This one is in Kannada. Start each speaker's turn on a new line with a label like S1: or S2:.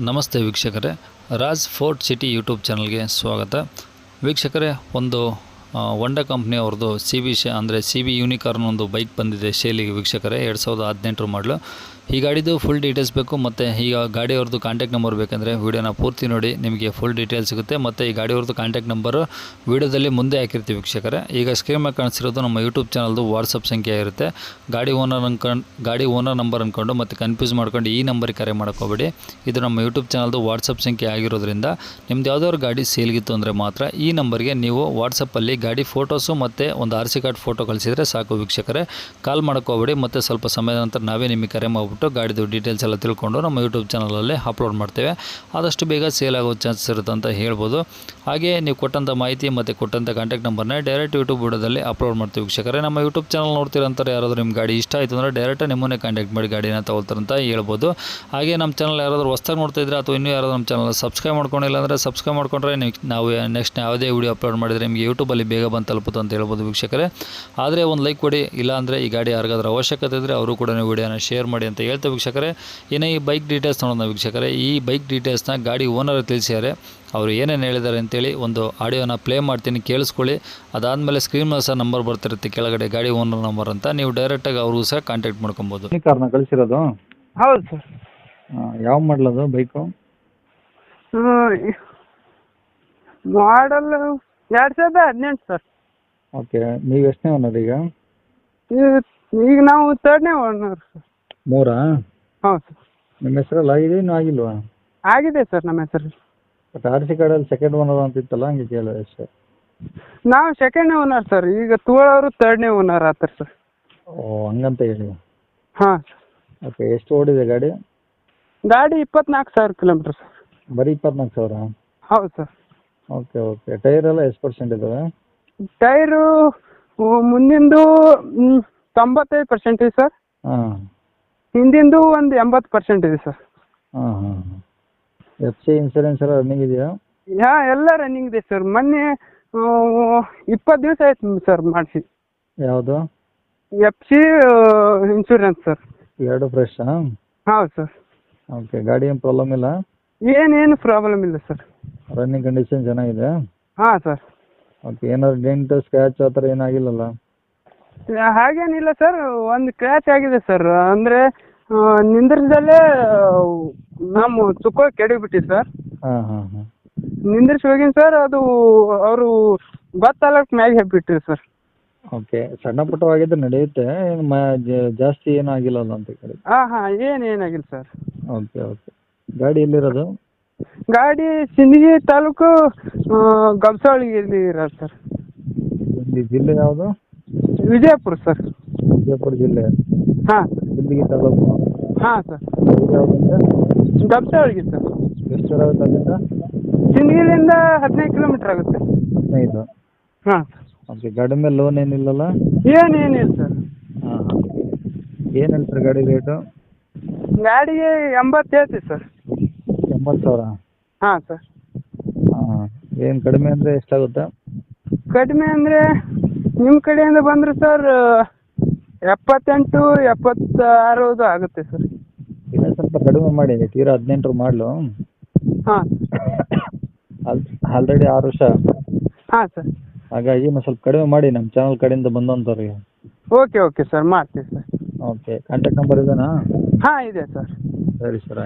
S1: ನಮಸ್ತೆ ವೀಕ್ಷಕರೇ, ರಾಜ್ ಫೋರ್ಟ್ ಸಿಟಿ ಯೂಟ್ಯೂಬ್ ಚಾನಲ್ಗೆ ಸ್ವಾಗತ. ವೀಕ್ಷಕರೇ, ಒಂದು ಹೊಂಡಾ ಕಂಪ್ನಿಯವ್ರದ್ದು ಸಿ ಬಿ ಯೂನಿಕಾರ್ನ್ ಒಂದು ಬೈಕ್ ಬಂದಿದೆ ಸೇಲಿಗೆ ವೀಕ್ಷಕರೇ. 2018 ಮಾಡಲು. ಈ ಗಾಡಿದು ಫುಲ್ ಡೀಟೇಲ್ಸ್ ಬೇಕು ಮತ್ತು ಈಗ ಗಾಡಿಯವ್ರದ್ದು ಕಾಂಟ್ಯಾಕ್ಟ್ ನಂಬರ್ ಬೇಕಂದರೆ ವೀಡಿಯೋನ ಪೂರ್ತಿ ನೋಡಿ, ನಿಮಗೆ ಫುಲ್ ಡೀಟೇಲ್ಸ್ ಸಿಗುತ್ತೆ. ಮತ್ತು ಈ ಗಾಡಿಯವ್ರದ್ದು ಕಾಂಟ್ಯಾಕ್ಟ್ ನಂಬರು ವೀಡಿಯೋದಲ್ಲಿ ಮುಂದೆ ಹಾಕಿರ್ತೀವಿ ವೀಕ್ಷಕರೇ. ಈಗ ಸ್ಕ್ರೀನ್ ಮೇಲೆ ಕಾಣಿಸಿರೋದು ನಮ್ಮ ಯೂಟ್ಯೂಬ್ ಚಾನಲ್ದು ವಾಟ್ಸಪ್ ಸಂಖ್ಯೆ ಇರುತ್ತೆ. ಗಾಡಿ ಓನರ್ ನಂಬರ್ ಅಂದ್ಕೊಂಡು ಮತ್ತು ಕನ್ಫ್ಯೂಸ್ ಮಾಡ್ಕೊಂಡು ಈ ನಂಬರಿಗೆ ಕರೆ ಮಾಡೋಕ್ಕೋಗ್ಬೇಡಿ. ಇದು ನಮ್ಮ ಯೂಟ್ಯೂಬ್ ಚಾನಲ್ದು ವಾಟ್ಸಪ್ ಸಂಖ್ಯೆ ಆಗಿರೋದ್ರಿಂದ ನಿಮ್ದು ಯಾವುದಾದ್ರು ಗಾಡಿ ಸೇಲ್ಗಿತ್ತು ಅಂದರೆ ಮಾತ್ರ ಈ ನಂಬರ್ಗೆ ನೀವು ವಾಟ್ಸಪ್ಪಲ್ಲಿ ಗಾಡಿ ಫೋಟೋಸು ಮತ್ತು ಒಂದು RC ಕಾರ್ಡ್ ಫೋಟೋ ಕಳಿಸಿದರೆ ಸಾಕು ವೀಕ್ಷಕರೇ. ಕಾಲ್ ಮಾಡೋಕ್ಕೋಗ್ಬೇಡಿ. ಮತ್ತು ಸ್ವಲ್ಪ ಸಮಯದ ನಂತರ ನಾವೇ ನಿಮಗೆ ಕರೆ ಮಾಡಿಬಿಟ್ಟು ಗಾಡಿದು ಡೀಟೇಲ್ಸ್ ಎಲ್ಲ ತಿಳ್ಕೊಂಡು ನಮ್ಮ ಯೂಟ್ಯೂಬ್ ಚಾನಲಲ್ಲಿ ಅಪ್ಲೋಡ್ ಮಾಡ್ತೇವೆ. ಆದಷ್ಟು ಬೇಗ ಸೇಲ್ ಆಗೋ ಚಾನ್ಸಸ್ ಇರುತ್ತೆ ಅಂತ ಹೇಳ್ಬೋದು. ಹಾಗೆ ನೀವು ಕೊಟ್ಟಂಥ ಮಾಹಿತಿ ಮತ್ತು ಕೊಟ್ಟಂಥ ಕಾಂಟ್ಯಾಕ್ಟ್ ನಂಬರ್ನೇ ಡೈರೆಕ್ಟ್ ಯೂಟ್ಯೂಬ್ ವಿಡಿಯೋದಲ್ಲಿ ಅಪ್ಲೋಡ್ ಮಾಡ್ತೀವಿ ವೀಕ್ಷಕರೇ. ನಮ್ಮ ಯೂಟ್ಯೂಬ್ ಚಾನಲ್ ನೋಡ್ತಿರೋಂಥವ್ರು ಯಾರಾದರೂ ನಿಮ್ಮ ಗಾಡಿ ಇಷ್ಟ ಆಯಿತು ಅಂದರೆ ಡೈರೆಕ್ಟ್ ನಿಮ್ಮನ್ನೇ ಕಾಂಟ್ಯಾಕ್ಟ್ ಮಾಡಿ ಗಾಡಿನ ತಗೊಳ್ತಾರಂತ ಹೇಳ್ಬೋದು. ಹಾಗೆ ನಮ್ಮ ಚಾನಲ್ ಯಾರಾದರೂ ಹೊಸ್ದಾಗಿ ನೋಡ್ತಿದ್ರೆ ಅಥವಾ ಇನ್ನೂ ಯಾರಾದರೂ ನಮ್ಮ ಚಾನಲ್ ಸಬ್ಸ್ಕ್ರೈಬ್ ಮಾಡ್ಕೊಂಡಿಲ್ಲ ಅಂದರೆ ಸಬ್ಸ್ಕ್ರೈಬ್ ಮಾಡ್ಕೊಂಡ್ರೆ ನಾವು ನೆಕ್ಸ್ಟ್ ಯಾವುದೇ ವೀಡಿಯೋ ಅಪ್ಲೋಡ್ ಮಾಡಿದರೆ ನಿಮಗೆ ಯೂಟ್ಯೂಬಲ್ಲಿ ಬೇಗ ಬಂದು ತಲುಪುತ್ತೆ ಅಂತ ಹೇಳ್ಬೋದು ವೀಕ್ಷಕರೇ. ಆದರೆ ಒಂದು ಲೈಕ್ ಕೊಡಿ, ಇಲ್ಲಾಂದರೆ ಈ ಗಾಡಿ ಯಾರಿಗಾದ್ರೂ ಅವಶ್ಯಕತೆ ಇದ್ದರೆ ಅವರು ಕೂಡ ವೀಡಿಯೋನ ಶೇರ್ ಮಾಡಿ ಅಂತ ಹೇಳ್ತೇವೆ ವೀಕ್ಷಕರೇ. ಇನ್ನು ಈ ಬೈಕ್ ಡೀಟೇಲ್ಸ್ ನೋಡೋಣ ವೀಕ್ಷಕರೇ. ಈ ಬೈಕ್ ಡೀಟೇಲ್ಸ್ನ ಗಾಡಿ ಓನರ್ ತಿಳಿಸಿದ್ದಾರೆ. ಅವರು ಏನೇನು ಹೇಳಿದ್ದಾರೆ ಅಂತೇಳಿ ಒಂದು ಆಡಿಯೋನ ಪ್ಲೇ ಮಾಡ್ತೀನಿ, ಕೇಳಿಸ್ಕೊಳ್ಳಿ. ಅದಾದಮೇಲೆ ಸ್ಕ್ರೀನ್ ಮೇಲೆ ಸಹ ನಂಬರ್ ಬರ್ತಿರುತ್ತೆ ಕೆಳಗಡೆ, ಗಾಡಿ ಓನರ್ ನಂಬರ್ ಅಂತ. ನೀವು ಡೈರೆಕ್ಟಾಗಿ ಅವ್ರಿಗೂ ಸಹ ಕಾಂಟ್ಯಾಕ್ಟ್ ಮಾಡ್ಕೊಬೋದು.
S2: ಈ ಕಾರ್ನ ಕಳಿಸಿರೋದು?
S3: ಹೌದು ಸರ್.
S2: ಯಾವ ಮಾಡಲದು ಬೈಕು?
S3: Model 2018 sir.
S2: ಓಕೆ, ನೀವು ಎಷ್ಟನೇ ಓನರ್ ಈಗ?
S3: ಈಗ ನಾವು 3ನೇ ಓನರ್ ಸರ್.
S2: 3?
S3: ಹೌದು ಸರ್.
S2: ನಿಮ್ಮ ಹೆಸರಲ್ಲಿ ಆಗಿದೆ ಇನ್ನೂ ಆಗಿಲ್ವಾ?
S3: ಆಗಿದೆ ಸರ್ ನಮ್ಮ ಹೆಸರು.
S2: ಬಟ್ RC ಕಾರ್ಡಲ್ಲಿ ಸೆಕೆಂಡ್ ಓನರ್ ಅಂತ ಇತ್ತಲ್ಲ, ಹಂಗೆ ಕೇಳಿದೆ ಅಷ್ಟೇ.
S3: ನಾವು 2ನೇ ಓನರ್ ಸರ್. ಈಗ ತೋಳವರು 3ನೇ ಓನರ್ ಆತಾರೆ ಸರ್.
S2: ಓ, ಹಂಗಂತ ಹೇಳಿ.
S3: ಹಾಂ ಸರ್.
S2: ಓಕೆ, ಎಷ್ಟು ಓಡಿದೆ ಗಾಡಿ?
S3: ಗಾಡಿ 24,000 ಕಿಲೋಮೀಟ್ರ್ ಸರ್.
S2: ಬರೀ 24,000?
S3: ಹೌದು ಸರ್.
S2: Okay okay. ಟೈರ್ ಎಲ್ಲ ಎಷ್ಟು ಪರ್ಸೆಂಟ್ ಇದ್ದಾವೆ?
S3: ಟೈರು ಮುಂದಿಂದು 95% ಇದೆ ಸರ್.
S2: ಹಾಂ.
S3: ಹಿಂದಿಂದು ಒಂದು 80% ಇದೆ ಸರ್.
S2: ಹಾಂ ಹಾಂ ಹಾಂ. FC ಇನ್ಸೂರೆನ್ಸ್ ಎಲ್ಲ ರನ್ನಿಂಗ್ ಇದೆಯಾ?
S3: ಎಲ್ಲ ರನ್ನಿಂಗ್ ಇದೆ ಸರ್. ಮೊನ್ನೆ 20 ದಿವಸ ಆಯ್ತು ಸರ್ ಮಾಡಿಸಿ.
S2: ಯಾವುದು?
S3: FC insurance sir.
S2: 2 ಫ್ರೆಶಾ?
S3: ಹೌದು ಸರ್.
S2: ಓಕೆ, ಗಾಡಿ ಏನು ಪ್ರಾಬ್ಲಮ್ ಇಲ್ಲ?
S3: ಏನೇನು ಪ್ರಾಬ್ಲಮ್ ಇಲ್ಲ ಸರ್.
S2: ರನ್ನಿಂಗ್ ಕಂಡೀಷನ್ ಚೆನ್ನಾಗಿದೆ?
S3: ಹಾಂ ಸರ್.
S2: ಓಕೆ, ಏನಾದ್ರು ಡೆಂಟ್ ಸ್ಕ್ರ್ಯಾಚ್ ಆ ಥರ ಏನಾಗಿಲ್ಲಲ್ಲ?
S3: ಹಾಗೇನಿಲ್ಲ ಸರ್. ಒಂದು ಕ್ರ್ಯಾಚ್ ಆಗಿದೆ ಸರ್. ಅಂದರೆ ನಿಂದ್ರಿಸದಲ್ಲೇ ನಮ್ಮ ಚುಕ್ಕ ಕೆಡವಿಬಿಟ್ಟಿದೆ ಸರ್.
S2: ಹಾಂ ಹಾಂ ಹಾಂ.
S3: ನಿಂದ್ರಿಸಿ ಹೋಗಿನಿ ಸರ್. ಅದು ಅವರು ಗೊತ್ತಾಗಕ್ಕೆ ಮ್ಯಾಗೆ ಹಾಕ್ಬಿಟ್ಟಿರಿ ಸರ್.
S2: ಓಕೆ, ಸಣ್ಣ ಪುಟ್ಟವಾಗಿದ್ರೆ ನಡೆಯುತ್ತೆ, ಏನು ಜಾಸ್ತಿ ಏನೂ ಆಗಿಲ್ಲಲ್ಲ ಅಂತ ಕೇಳಿ.
S3: ಹಾಂ ಏನಾಗಿಲ್ಲ ಸರ್.
S2: Okay okay. ಗಾಡಿ ಎಲ್ಲಿರೋದು?
S3: ಗಾಡಿ ಸಿಂದಗಿ ತಾಲೂಕು ಗಬ್ಸಾವಳಿಯಲ್ಲಿ ಇರೋದು ಸರ್.
S2: ಈ ಜಿಲ್ಲೆ ಯಾವುದು?
S3: ವಿಜಯಪುರ ಸರ್.
S2: ವಿಜಯಪುರ ಜಿಲ್ಲೆ.
S3: ಹಾಂ.
S2: ಸಿಂದಗಿ ತಾಲೂಕು.
S3: ಹಾಂ ಸರ್.
S2: ಯಾವುದಂದ್ರೆ?
S3: ಗಬ್ಸಾವಳಿಗೆ ಸರ್.
S2: ಎಷ್ಟು ದೂರ ಆಗುತ್ತೆ ಅಲ್ಲಿಂದ?
S3: ಸಿಂದಗಿಲಿಂದ 15 ಕಿಲೋಮೀಟ್ರ್ ಆಗುತ್ತೆ.
S2: 15?
S3: ಹಾಂ.
S2: ಓಕೆ, ಗಾಡಿ ಮೇಲೆ ಲೋನ್ ಏನಿಲ್ಲಲ್ಲ?
S3: ಏನಿಲ್ಲ ಸರ್.
S2: ಹಾಂ ಹಾಂ. ಏನು ಹೇಳ್ತಾರೆ ಗಾಡಿ ರೇಟು?
S3: ಗಾಡಿಗೆ 80 ಹೇಳ್ತೀವಿ ಸರ್.
S2: 80,000?
S3: ಹಾಂ ಸರ್.
S2: ಹಾಂ. ಏನು ಕಡಿಮೆ ಅಂದರೆ ಎಷ್ಟಾಗುತ್ತೆ?
S3: ಕಡಿಮೆ ಅಂದರೆ ನಿಮ್ಮ ಕಡೆಯಿಂದ ಬಂದರೆ ಸರ್ 78, 76 ಆಗುತ್ತೆ ಸರ್.
S2: ಇನ್ನೂ ಸ್ವಲ್ಪ ಕಡಿಮೆ ಮಾಡಿ. ತೀರಾ 18 ಮಾಡಲು.
S3: ಹಾಂ.
S2: ಆಲ್ರೆಡಿ 6 ವರ್ಷ.
S3: ಹಾಂ ಸರ್.
S2: ಹಾಗಾಗಿ ಇನ್ನೂ ಸ್ವಲ್ಪ ಕಡಿಮೆ ಮಾಡಿ ನಮ್ಮ ಚಾನಲ್ ಕಡೆಯಿಂದ ಬಂದಂಥವ್ರಿಗೆ.
S3: ಓಕೆ ಸರ್, ಮಾಡ್ತೀವಿ ಸರ್.
S2: ಓಕೆ, ಕಾಂಟ್ಯಾಕ್ಟ್ ನಂಬರ್ ಇದೆನಾ?
S3: ಹಾಂ ಇದೆ ಸರ್.
S2: ಸರಿ ಸರ್.